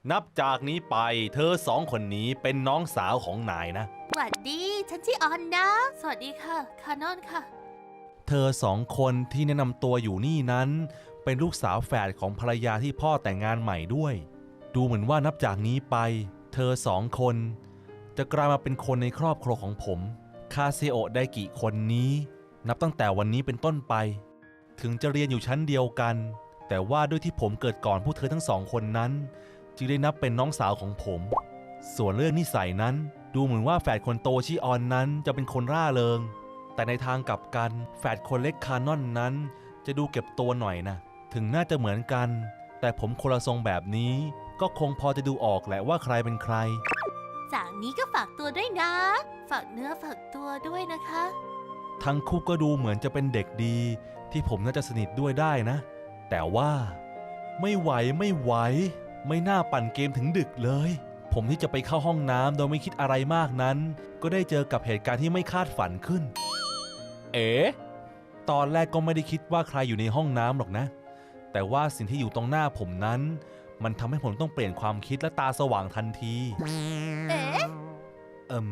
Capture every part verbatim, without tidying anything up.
นับจากนี้ไปเธอสองคนนี้เป็นน้องสาวของนายนะสวัสดีฉันชื่อออนนะสวัสดีค่ะคานอนค่ะเธอสองคนที่แนะนำตัวอยู่นี่นั้นเป็นลูกสาวแฝดของภรรยาที่พ่อแต่งงานใหม่ด้วยดูเหมือนว่านับจากนี้ไปเธอสองคนจะกลายมาเป็นคนในครอบครัวของผมคาเซโอะไดกิคนนี้นับตั้งแต่วันนี้เป็นต้นไปถึงจะเรียนอยู่ชั้นเดียวกันแต่ว่าด้วยที่ผมเกิดก่อนพวกเธอทั้งสองคนนั้นจึงได้นับเป็นน้องสาวของผมส่วนเรื่องนิสัยนั้นดูเหมือนว่าแฝดคนโตชิออนนั้นจะเป็นคนร่าเริงแต่ในทางกลับกันแฝดคนเล็กคานอนนั้นจะดูเก็บตัวหน่อยนะถึงน่าจะเหมือนกันแต่ผมคนละทรงแบบนี้ก็คงพอจะดูออกแหละว่าใครเป็นใครจากนี้ก็ฝากตัวด้วยนะฝากเนื้อฝากตัวด้วยนะคะทั้งคู่ก็ดูเหมือนจะเป็นเด็กดีที่ผมน่าจะสนิทด้วยได้นะแต่ว่าไม่ไหวไม่ไหวไม่น่าปั่นเกมถึงดึกเลยผมที่จะไปเข้าห้องน้ำโดยไม่คิดอะไรมากนั้นก็ได้เจอกับเหตุการณ์ที่ไม่คาดฝันขึ้นเอ๋ตอนแรกก็ไม่ได้คิดว่าใครอยู่ในห้องน้ำหรอกนะแต่ว่าสิ่งที่อยู่ตรงหน้าผมนั้นมันทำให้ผมต้องเปลี่ยนความคิดและตาสว่างทันทีเอ๊ะเอิ่ม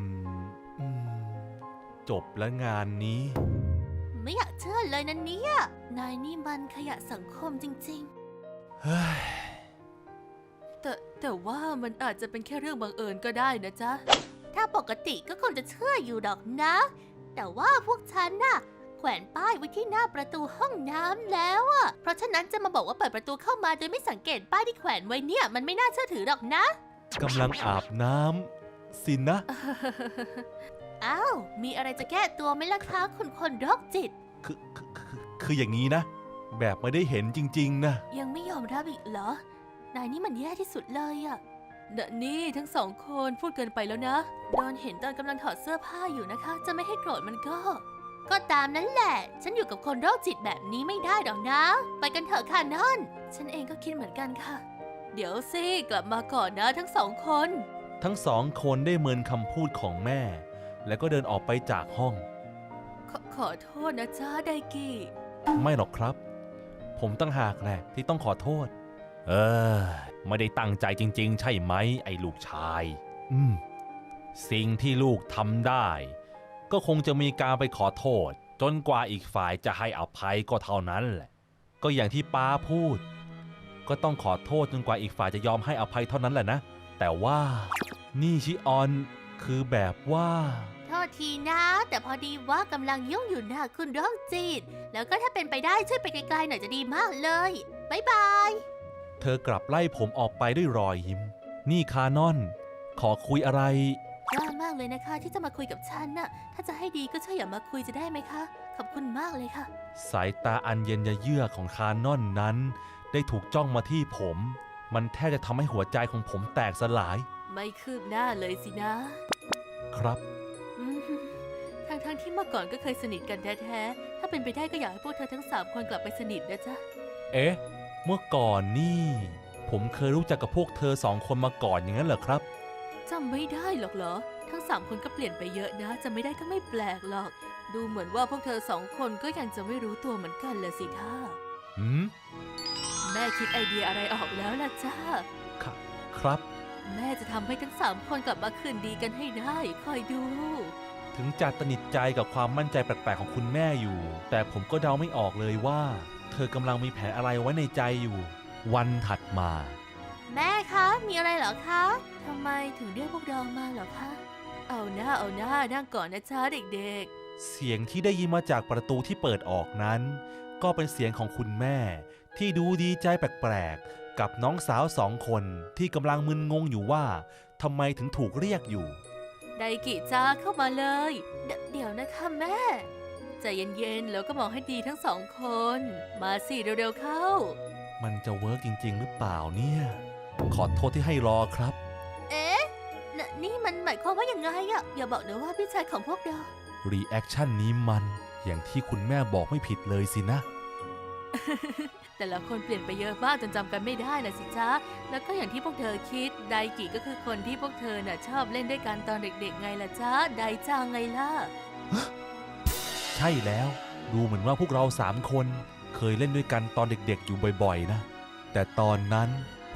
จบแล้วงานนี้ไม่อยากเชื่อเลยนะเนี่ยนายนี่มันขยะสังคมจริงๆเฮ้ยแต่แต่ว่ามันอาจจะเป็นแค่เรื่องบังเอิญก็ได้นะจ๊ะถ้าปกติก็คงจะเชื่ออยู่ดอกนะแต่ว่าพวกฉันน่ะแขวนป้ายไว้ที่หน้าประตูห้องน้ำแล้วอ่ะเพราะฉะนั้นจะมาบอกว่าเปิดประตูเข้ามาโดยไม่สังเกตป้ายที่แขวนไว้เนี่ยมันไม่น่าเชื่อถือหรอกนะกำลังอาบน้ำสินะอ้าวมีอะไรจะแก้ตัวไหมล่ะคะคุณคนโรคจิตคือคือคืออย่างนี้นะแบบไม่ได้เห็นจริงๆนะยังไม่ยอมรับอีกเหรอนายนี่มันแย่ที่สุดเลยอะเดะนี่ทั้งสองคนพูดเกินไปแล้วนะโดนเห็นตอนกำลังถอดเสื้อผ้าอยู่นะคะจะไม่ให้โกรธมันก็ก็ตามนั้นแหละฉันอยู่กับคนโรคจิตแบบนี้ไม่ได้หรอกนะไปกันเถอะค่ะนอนฉันเองก็คิดเหมือนกันค่ะเดี๋ยวสิกลับมาก่อนนะทั้งสองคนทั้งสองคนได้เมินคำพูดของแม่แล้วก็เดินออกไปจากห้องขอขอโทษนะจ้าไดกิไม่หรอกครับผมตั้งหากแหละที่ต้องขอโทษเออไม่ได้ตั้งใจจริงๆใช่ไหมไอ้ลูกชายอืมสิ่งที่ลูกทำได้ก็คงจะมีการไปขอโทษจนกว่าอีกฝ่ายจะให้อภัยก็เท่านั้นแหละก็อย่างที่ป้าพูดก็ต้องขอโทษจนกว่าอีกฝ่ายจะยอมให้อภัยเท่านั้นแหละนะแต่ว่านี่ชิออนคือแบบว่าโทษทีนะแต่พอดีว่ากำลังยุ่งอยู่นะคุณโรคจิตแล้วก็ถ้าเป็นไปได้ช่วยไปไกลๆหน่อยจะดีมากเลยบ๊ายบายเธอกลับไล่ผมออกไปด้วยรอยยิ้มนี่คานอนขอคุยอะไรกล้ามากเลยนะคะที่จะมาคุยกับฉันน่ะถ้าจะให้ดีก็ช่วยอย่ามาคุยจะได้ไหมคะขอบคุณมากเลยค่ะสายตาอันเย็นเยือกของคานอนนั้นได้ถูกจ้องมาที่ผมมันแทบจะทำให้หัวใจของผมแตกสลายไม่คืบหน้าเลยสินะครับทั้งทั้งที่เมื่อก่อนก็เคยสนิทกันแท้ๆถ้าเป็นไปได้ก็อยากให้พวกเธอทั้งสามคนกลับไปสนิทนะจ๊ะเอ๊ะเมื่อก่อนนี่ผมเคยรู้จักกับพวกเธอสองคนมาก่อนอย่างนั้นเหรอครับจำไม่ได้หรอกเหรอทั้งสามคนก็เปลี่ยนไปเยอะนะจำไม่ได้ก็ไม่แปลกหรอกดูเหมือนว่าพวกเธอสองคนก็ยังจะไม่รู้ตัวเหมือนกันเลยสิท่าหืมแม่คิดไอเดียอะไรออกแล้วล่ะจ้าครับครับแม่จะทำให้ทั้งสามคนกลับมาคืนดีกันให้ได้คอยดูถึงจะตนิดใจกับความมั่นใจแปลกๆของคุณแม่อยู่แต่ผมก็เดาไม่ออกเลยว่าเธอกำลังมีแผนอะไรไว้ในใจอยู่วันถัดมาแม่คะมีอะไรเหรอคะทำไมถึงเรียกพวกเรามาเหรอคะเอาหน้าเอาหน้านั่งก่อนนะจ๊ะเด็กๆเสียงที่ได้ยินมาจากประตูที่เปิดออกนั้นก็เป็นเสียงของคุณแม่ที่ดูดีใจแปลกๆกับน้องสาวสองคนที่กำลังมึนงงอยู่ว่าทำไมถึงถูกเรียกอยู่ไดกิจ้าเข้ามาเลยเดเดี๋ยวนะคะแม่ใจเย็นๆแล้วก็มองให้ดีทั้งสองคนมาสิเร็วๆเข้ามันจะเวิร์กจริงๆหรือเปล่าเนี่ยขอโทษที่ให้รอครับเอ๊ะนนี่มันหมายความว่าอย่างไงอะอย่าบอกนะว่าพี่ชายของพวกเรารีแอคชั่นนี้มันอย่างที่คุณแม่บอกไม่ผิดเลยสินะแต่ละคนเปลี่ยนไปเยอะมากจนจำกันไม่ได้นะสิจ๊ะแล้วก็อย่างที่พวกเธอคิดไดกิก็คือคนที่พวกเธอน่ะชอบเล่นด้วยกันตอนเด็กๆไงล่ะจ๊ะไดจังไงล่ะใช่แล้วดูเหมือนว่าพวกเราสามคนเคยเล่นด้วยกันตอนเด็กๆอยู่บ่อยๆนะแต่ตอนนั้นผ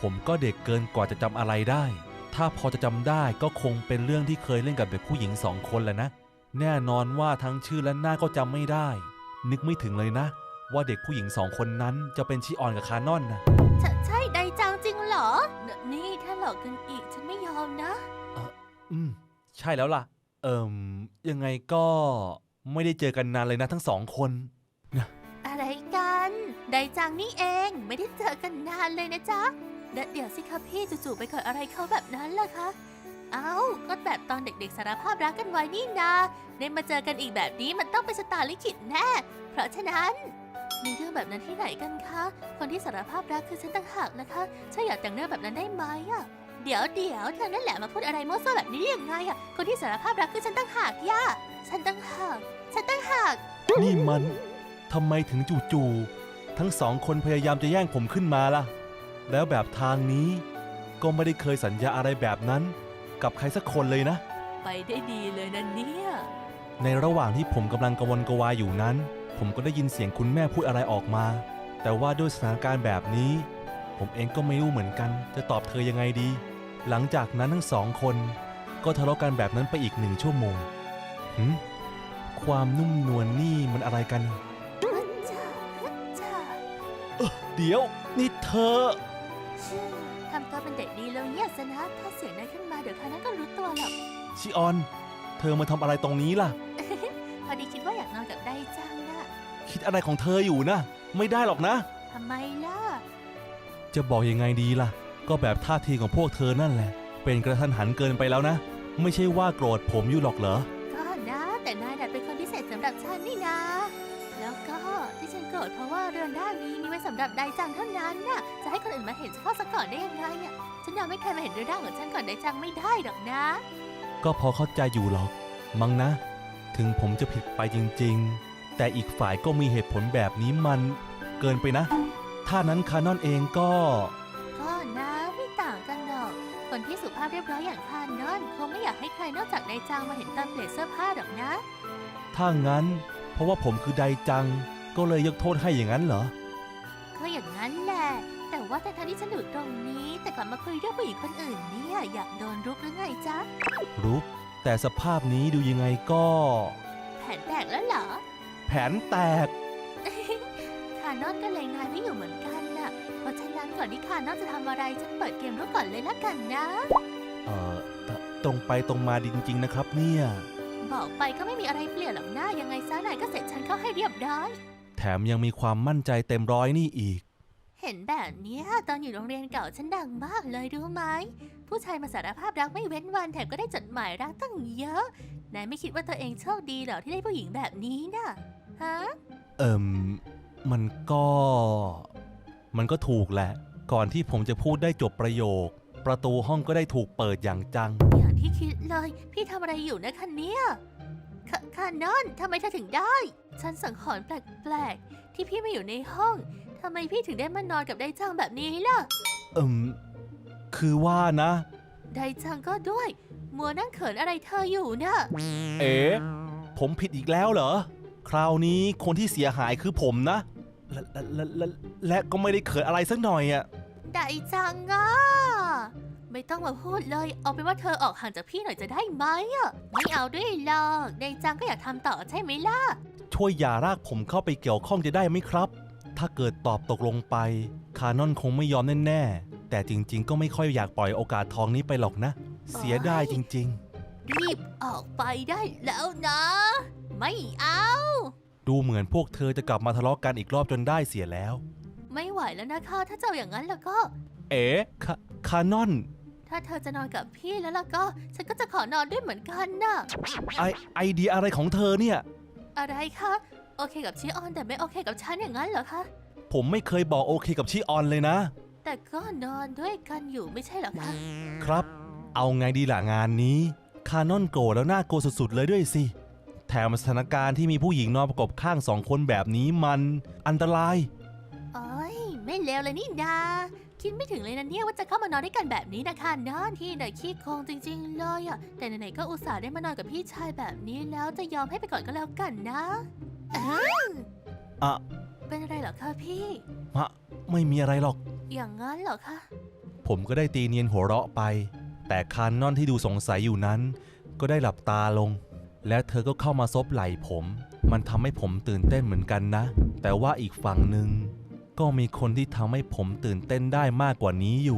ผมก็เด็กเกินกว่าจะจำอะไรได้ ถ้าพอจะจำได้ก็คงเป็นเรื่องที่เคยเล่นกับเด็กผู้หญิงสองคนแหละนะ แน่นอนว่าทั้งชื่อและหน้าก็จำไม่ได้ นึกไม่ถึงเลยนะ ว่าเด็กผู้หญิงสองคนนั้นจะเป็นชิออนกับคานอนนะใช่ใช่ไดจังจริงเหรอ นี่ถ้าหลอกกันอีกฉันไม่ยอมนะอืมใช่แล้วล่ะ เอิ่มยังไงก็ไม่ได้เจอกันนานเลยนะทั้งสองคนอะไรกันไดจังนี่เองไม่ได้เจอกันนานเลยนะจ๊ะเดยวเดี๋ยวสิคะพี่จู่ๆไปเกิดอะไรเขาแบบนั้นล่ะคะ เอ้าก็แบบตอนเด็กๆสารภาพรักกันไว้นี่นาได้มาเจอกันอีกแบบนี้มันต้องเป็นชะตาลิขิตแน่ เพราะฉะนั้นมีเรื่องแบบนั้นที่ไหนกันคะ คนที่สารภาพรักคือฉันต่างหากนะคะฉันอยากแต่งเรื่องแบบนั้นได้ไหมอะเดี๋ยวเดี๋ยวเธอนั่นแหละมาพูดอะไรมั่วซั่วแบบนี้ได้ยังไงอะคนที่สารภาพรักคือฉันต่างหากย่าฉันต่างหากฉันต่างหากนี่มันทำไมถึงจู่ๆทั้งสองคนพยายามจะแย่งผมขึ้นมาล่ะ แล้วแบบทางนี้ก็ไม่ได้เคยสัญญาอะไรแบบนั้นกับใครสักคนเลยนะไปได้ดีเลยนะเนี่ยในระหว่างที่ผมกำลังกระวนกระวายอยู่นั้น ผมก็ได้ยินเสียงคุณแม่พูดอะไรออกมา แต่ว่าด้วยสถานการณ์แบบนี้ ผมเองก็ไม่รู้เหมือนกันจะตอบเธอยังไงดี หลังจากนั้นทั้งสองคนก็ทะเลาะกันแบบนั้นไปอีกหนึ่งชั่วโมงหืมความนุ่มนวลนี่มันอะไรกันฮัจจ้าฮัจจ้าเดี๋ยวนี่เธอชื่อทำตัวเป็นเด็กดีแล้วเนี่ยสนะถ้าเสียงนั้นขึ้นมาเดี๋ยวคานั้นก็รู้ตัวหรอกชิออน เธอมาทำอะไรตรงนี้ล่ะพอดีคิดว่าอยากนอนกับไดจังน่ะคิดอะไรของเธออยู่นะ ไม่ได้หรอกนะทำไมล่ะจะบอกยังไงดีล่ะ ก็แบบท่าทีของพวกเธอนั่นแหละ เป็นกระทันหันเกินไปแล้วนะ ไม่ใช่ว่าโกรธผมอยู่หรอกเหรอก็นะแต่นายดัดเป็นคนพิเศษสำหรับฉันนี่นะ แล้วก็ที่ฉันโกรธเพราะว่าเรือนร่างนี้มีไว้สำหรับไดจังเท่านั้นน่ะจะให้คนอื่นมาเห็นเฉพาะซะก่อนได้ยังไงอ่ะฉันยอมไม่ใครมาเห็นเรือนร่างของฉันก่อนไดจังไม่ได้หรอกนะก็พอเข้าใจอยู่หรอก มั้งนะ ถึงผมจะผิดไปจริงๆ แต่อีกฝ่ายก็มีเหตุผลแบบนี้มันเกินไปนะ ถ้านั้นคานอนเองก็ก็นะไม่ต่างกันหรอก คนที่สุภาพเรียบร้อยอย่างคานอนคงไม่อยากให้ใครนอกจากไดจังมาเห็นตอนเปลี่ยนเสื้อผ้าหรอกนะถ้างั้น เพราะว่าผมคือไดจัง ก็เลยยกโทษให้อย่างนั้นเหรอก็อย่างนั้นแหละ แต่ว่าแต่ทันที่ฉันอยู่ตรงนี้ แต่กลับมาคุยเรื่องผู้หญิงคนอื่นเนี่ยอยากโดนรุกหรือไงจ๊ะรู้ แต่สภาพนี้ดูยังไงก็แผนแตกแล้วเหรอแผนแตกคานอนก็เลยงานไม่อยู่เหมือนกันน่ะ เพราะฉะนั้นก่อนที่คานอนจะทำอะไรฉันเปิดเกมรู้ก่อนเลยละกันนะเอ่อตตรงไปตรงมาดีจริงๆนะครับเนี่ยบอกไปก็ไม่มีอะไรเปลี่ยนหรอกนะยังไงซะนายก็เสร็จฉันเข้าให้เรียบร้อยแถมยังมีความมั่นใจเต็มร้อยนี่อีกเห็นแบบเนี้ยตอนอยู่โรงเรียนเก่าฉันดังมากเลยรู้ไหม ผู้ชายมาสารภาพรักไม่เว้นวันแถมก็ได้จดหมายรักตั้งเยอะ นายไม่คิดว่าตัวเองโชคดีเหรอที่ได้ผู้หญิงแบบนี้น่ะ ฮะเอิ่ม มันก็ มันก็ถูกแหละ ก่อนที่ผมจะพูดได้จบประโยค ประตูห้องก็ได้ถูกเปิดอย่างจังอย่างที่คิดเลย พี่ทำอะไรอยู่นะคะเนี่ยคคานอนทำไมเธอถึงได้ ฉันสังหรณ์แปลกๆ ที่พี่ไม่อยู่ในห้องทำไมพี่ถึงได้มานอนกับไดจังแบบนี้ล่ะเอิ่ม คือว่านะไดจังก็ด้วย มัวนั่งเขินอะไรเธออยู่น่ะเอ๋ผมผิดอีกแล้วเหรอ คราวนี้คนที่เสียหายคือผมนะ และและและและและก็ไม่ได้เขินอะไรสักหน่อยอะไดจังอ่ะไม่ต้องมาพูดเลย เอาเป็นว่าเธอออกห่างจากพี่หน่อยจะได้ไหมอ่ะ ไม่เอาด้วยหรอกไดจังก็อยากทำต่อใช่ไหมล่ะช่วยอย่ารากผมเข้าไปเกี่ยวข้องจะได้ไหมครับ ถ้าเกิดตอบตกลงไป คานอนคงไม่ยอมแน่ๆ แต่จริงๆ ก็ไม่ค่อยอยากปล่อยโอกาสทองนี้ไปหรอกนะ เสียดายจริงรีบออกไปได้แล้วนะ ไม่เอาๆ ดูเหมือนพวกเธอจะกลับมาทะเลาะกันอีกรอบจนได้เสียแล้วไม่ไหวแล้วนะคะถ้าเจ้าอย่างนั้นแล้วก็เอ๋คาคานอนถ้าเธอจะนอนกับพี่แล้วล่ะก็ ฉันก็จะขอนอนด้วยเหมือนกันน่ะไอไอเดียอะไรของเธอเนี่ยอะไรคะโอเคกับชิออนแต่ไม่โอเคกับฉันอย่างนั้นเหรอคะผมไม่เคยบอกโอเคกับชิออนเลยนะแต่ก็นอนด้วยกันอยู่ไม่ใช่เหรอคะครับ เอาไงดีล่ะงานนี้ คานอนโกรธแล้วน่ากลัวสุดๆเลยด้วยสิ แถมสถานการณ์ที่มีผู้หญิงนอนประกบข้างสองคนแบบนี้มันอันตรายโอ้ยไม่เลวเลยนี่นาคิดไม่ถึงเลยนะเนี่ยว่าจะเข้ามานอนด้วยกันแบบนี้นะคะนอนที่ไหนขี้โกงจริงๆเลยอะแต่ไหนๆก็อุตส่าห์ได้มานอนกับพี่ชายแบบนี้แล้วจะยอมให้ไปก่อนก็แล้วกันนะอ้าวอะเป็นอะไรเหรอคะพี่มะไม่มีอะไรหรอกอย่างนั้นเหรอคะผมก็ได้ตีเนียนหัวเราะไปแต่คานนอนที่ดูสงสัยอยู่นั้นก็ได้หลับตาลงและเธอก็เข้ามาซบไหล่ผมมันทำให้ผมตื่นเต้นเหมือนกันนะแต่ว่าอีกฝั่งหนึ่งก็มีคนที่ทำให้ผมตื่นเต้นได้มากกว่านี้อยู่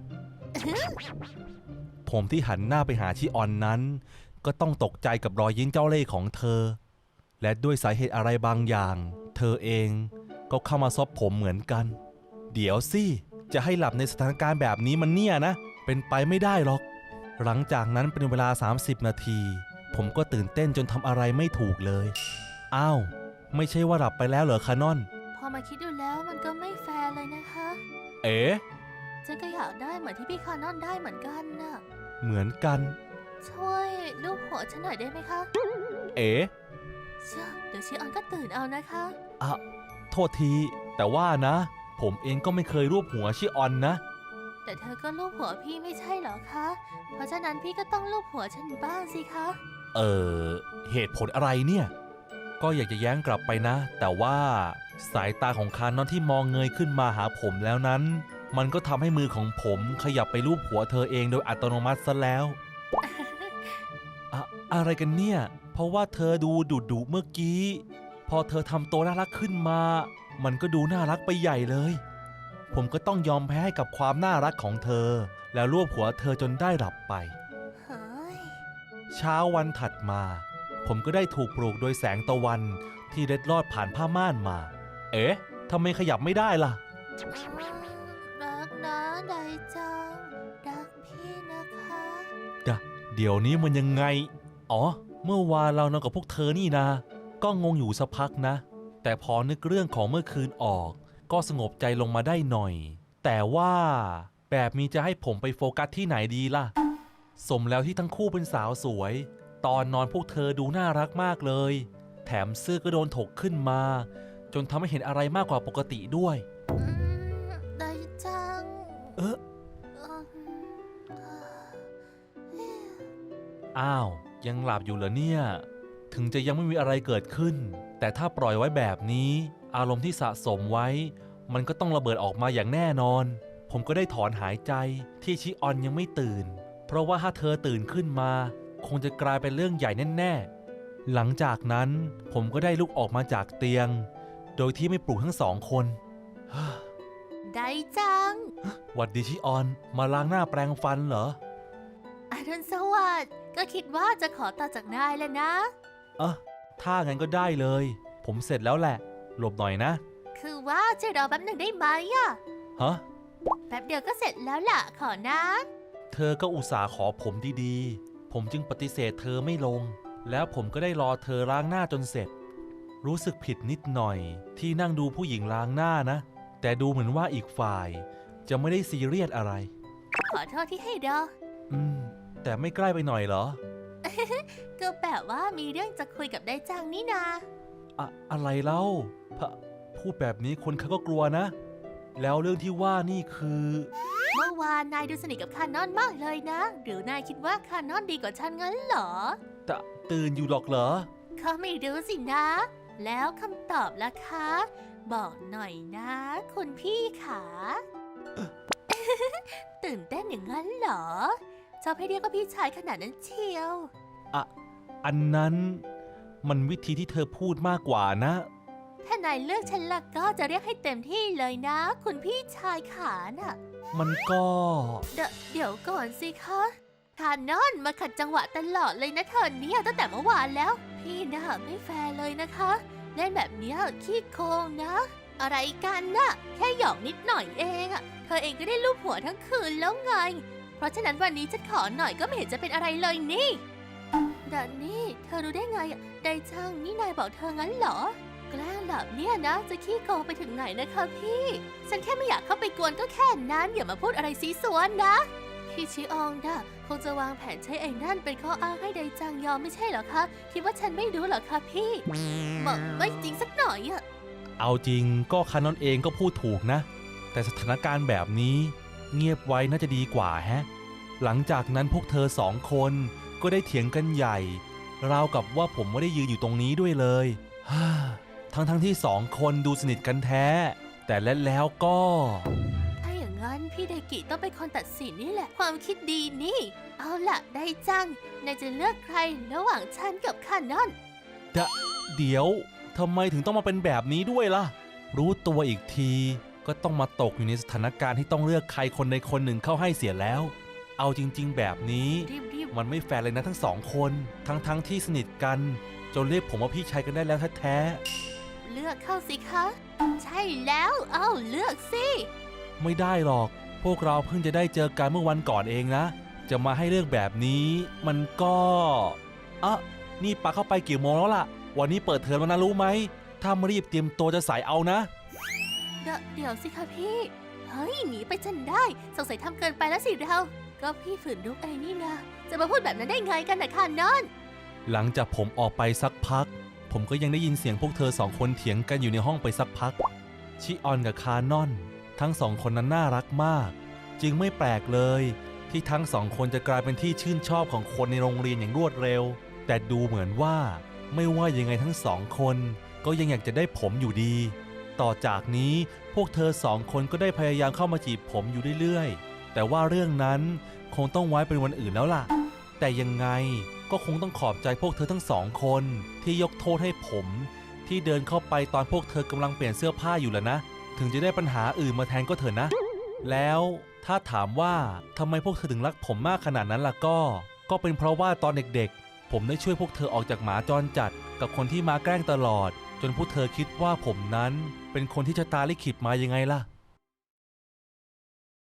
ผมที่หันหน้าไปหาชิออนนั้นก็ต้องตกใจกับรอยยิ้มเจ้าเล่ห์ของเธอและด้วยสาเหตุอะไรบางอย่างเธอเองก็เข้ามาซบผมเหมือนกันเดี๋ยวสิจะให้หลับในสถานการณ์แบบนี้มันเนี่ยนะเป็นไปไม่ได้หรอกหลังจากนั้นเป็นเวลาสามสิบนาทีผมก็ตื่นเต้นจนทำอะไรไม่ถูกเลยอ้าวไม่ใช่ว่าหลับไปแล้วเหรอคานอนพอมาคิดดูแล้วมันก็ไม่แฟร์เลยนะคะเอ๋ฉันก็อยากได้เหมือนที่พี่คานอนได้เหมือนกันน่ะเหมือนกันช่วยลูบหัวฉันหน่อยได้ไหมคะเอ๋เชื่อเดี๋ยวชิออนก็ตื่นเอานะคะอ่ะโทษทีแต่ว่านะผมเองก็ไม่เคยรูปหัวชิออนนะแต่เธอก็ลูบหัวพี่ไม่ใช่เหรอคะเพราะฉะนั้นพี่ก็ต้องลูบหัวฉันบ้างสิคะเออเหตุผลอะไรเนี่ยก็อยากจะแย้งกลับไปนะแต่ว่าสายตาของคานอนที่มองเงยขึ้นมาหาผมแล้วนั้นมันก็ทำให้มือของผมขยับไปลูบหัวเธอเองโดยอัตโนมัติซะแล้ว อะอะไรกันเนี่ยเพราะว่าเธอดูดุดุเมื่อกี้พอเธอทำตัวน่ารักขึ้นมามันก็ดูน่ารักไปใหญ่เลยผมก็ต้องยอมแพ้ให้กับความน่ารักของเธอแล้วลูบหัวเธอจนได้หลับไปเฮ้ยเช้าวันถัดมาผมก็ได้ถูกปลุกโดยแสงตะวันที่เล็ดลอดผ่านผ้าม่านมาเอ๊ะทำไมขยับไม่ได้ล่ะรักนะไดจังรักพี่นะคะดะเดี๋ยวนี้มันยังไงอ๋อเมื่อวานเรานอนกับพวกเธอนี่นะก็งงอยู่สักพักนะแต่พอนึกเรื่องของเมื่อคืนออกก็สงบใจลงมาได้หน่อยแต่ว่าแบบนี้จะให้ผมไปโฟกัสที่ไหนดีล่ะสมแล้วที่ทั้งคู่เป็นสาวสวยตอนนอนพวกเธอดูน่ารักมากเลยแถมเสื้อก็โดนถกขึ้นมาจนทำให้เห็นอะไรมากกว่าปกติด้วยไดจังเอออ้าวยังหลับอยู่เหรอเนี่ยถึงจะยังไม่มีอะไรเกิดขึ้นแต่ถ้าปล่อยไว้แบบนี้อารมณ์ที่สะสมไว้มันก็ต้องระเบิดออกมาอย่างแน่นอนผมก็ได้ถอนหายใจที่ชิออนยังไม่ตื่นเพราะว่าถ้าเธอตื่นขึ้นมาคงจะกลายเป็นเรื่องใหญ่แน่ๆหลังจากนั้นผมก็ได้ลุกออกมาจากเตียงโดยที่ไม่ปลุกทั้งสองคนไดจังหวัดดีชิออนมาล้างหน้าแปรงฟันเหรออรุณสวัสดิ์ก็คิดว่าจะขอต่อจากนายแล้วนะเออถ้างั้นก็ได้เลยผมเสร็จแล้วแหละหลบหน่อยนะคือว่าจะรอแป๊บหนึ่งได้ไหมอะฮะแป๊บเดียวก็เสร็จแล้วล่ะขอนะเธอก็อุตส่าห์ขอผมดีๆผมจึงปฏิเสธเธอไม่ลงแล้วผมก็ได้รอเธอล้างหน้าจนเสร็จรู้สึกผิดนิดหน่อยที่นั่งดูผู้หญิงล้างหน้านะแต่ดูเหมือนว่าอีกฝ่ายจะไม่ได้ซีเรียสอะไรขอโทษที่ให้รออืมแต่ไม่ใกล้ไปหน่อยเหรอก็แบบว่ามีเรื่องจะคุยกับไดจังนี่นาอะอะไรเล่าพูดแบบนี้คนเขาก็กลัวนะแล้วเรื่องที่ว่านี่คือเมื่อวานนายดูสนิทกับคานอนมากเลยนะหรือนายคิดว่าคานอนดีกว่าฉันงั้นเหรอตะตื่นอยู่หรอกเหรอเขาไม่รู้สินะแล้วคำตอบล่ะคะบอกหน่อยนะคุณพี่ขาตื่นเต้นอย่างนั้นเหรอชอบให้เรียกว่าพี่ชายขนาดนั้นเชียวอะอันนั้นมันวิธีที่เธอพูดมากกว่านะถ้านายเลือกฉันล่ะก็จะเรียกให้เต็มที่เลยนะคุณพี่ชายขาน่ะมันก็เดเดี๋ยวก่อนสิคะคานอนมาขัดจังหวะตลอดเลยนะเธอเนี่ยตั้งแต่เมื่อวานแล้วพี่น่ะไม่แฟร์เลยนะคะเล่นแบบนี้ขี้โกงนะอะไรกันน่ะแค่หยอกนิดหน่อยเองอะเธอเองก็ได้ลูบหัวทั้งคืนแล้วไงเพราะฉะนั้นวันนี้ฉันขอหน่อยก็ไม่เห็นจะเป็นอะไรเลยนี่ดันนี่เธอรู้ได้ไงอะไดจังนี่นายบอกเธองั้นเหรอแกล้งแบบเนี้ยนะจะขี้โกงไปถึงไหนนะคะพี่ฉันแค่ไม่อยากเข้าไปกวนก็แค่นั้นอย่ามาพูดอะไรซีซัวนะพี่ชิอองดะคงจะวางแผนใช้ไอ้นั่นเป็นข้ออ้างให้ไดจังยอมไม่ใช่เหรอคะคิดว่าฉันไม่รู้เหรอคะพี่ไม่ไม่จริงสักหน่อยอะเอาจริงก็คานอนเองก็พูดถูกนะแต่สถานการณ์แบบนี้เงียบไว้น่าจะดีกว่าแฮะหลังจากนั้นพวกเธอสองคนก็ได้เถียงกันใหญ่ราวกับว่าผมไม่ได้ยืนอยู่ตรงนี้ด้วยเลยทั้งทั้งที่สองคนดูสนิทกันแท้แต่และแล้วก็ถ้าอย่างนั้นพพี่ไดกิต้องเป็นคนตัดสินนี่แหละ ความคิดดีนี่ เอาล่ะได้จังนายจะเลือกใครระหว่างฉันกับคานอนเดะเดี๋ยวทำไมถึงต้องมาเป็นแบบนี้ด้วยล่ะ รู้ตัวอีกทีก็ต้องมาตกอยู่ในสถานการณ์ที่ต้องเลือกใครคนใดคนหนึ่งเข้าให้เสียแล้ว เอาจริงๆแบบนี้รีบมันไม่แฟร์เลยนะทั้งสองคน ทั้งๆที่สนิทกันจนเรียกผมว่าพี่ชายกันได้แล้วแท้ๆเลือกเข้าสิคะ ใช่แล้วเอ้าเลือกสิๆไม่ได้หรอก พวกเราเพิ่งจะได้เจอกันเมื่อวันก่อนเองนะ จะมาให้เลือกแบบนี้มันก็อ่ะนี่ปาเข้าไปกี่โมงแล้วล่ะ วันนี้เปิดเทอมแล้วนะรู้ไหม ถ้าไม่รีบเตรียมตัวจะสายเอานะเดยวเดี๋ยวสิคะพี่ เฮ้ยหนีไปจนได้สงสัยทำเกินไปแล้วสิเรา ก็พี่ฝืนลุกไอ้นี่นะ จะมาพูดแบบนั้นได้ไงกันนะคานอนหลังจากผมออกไปสักพัก ผมก็ยังได้ยินเสียงพวกเธอสองคนเถียงกันอยู่ในห้องไปสักพัก ชิออนกับคานอน ทั้งสองคนนั้นน่ารักมาก จึงไม่แปลกเลยที่ทั้งสองคนจะกลายเป็นที่ชื่นชอบของคนในโรงเรียนอย่างรวดเร็ว แต่ดูเหมือนว่าไม่ว่ายังไงทั้งสองคนก็ยังอยากจะได้ผมอยู่ดี ต่อจากนี้พวกเธอสองคนก็ได้พยายามเข้ามาจีบผมอยู่เรื่อยๆแต่ว่าเรื่องนั้นคงต้องไว้เป็นวันอื่นแล้วล่ะ แต่ยังไงก็คงต้องขอบใจพวกเธอทั้งสองคนที่ยกโทษให้ผมที่เดินเข้าไปตอนพวกเธอกำลังเปลี่ยนเสื้อผ้าอยู่แล้วนะถึงจะได้ปัญหาอื่นมาแทนก็เถอะนะแล้วถ้าถามว่าทำไมพวกเธอถึงรักผมมากขนาดนั้นล่ะก็ก็เป็นเพราะว่าตอนเด็กๆผมได้ช่วยพวกเธอออกจากหมาจรจัดกับคนที่มาแกล้งตลอดจนพวกเธอคิดว่าผมนั้นเป็นคนที่ชะตาลิขิตมายังไงล่ะ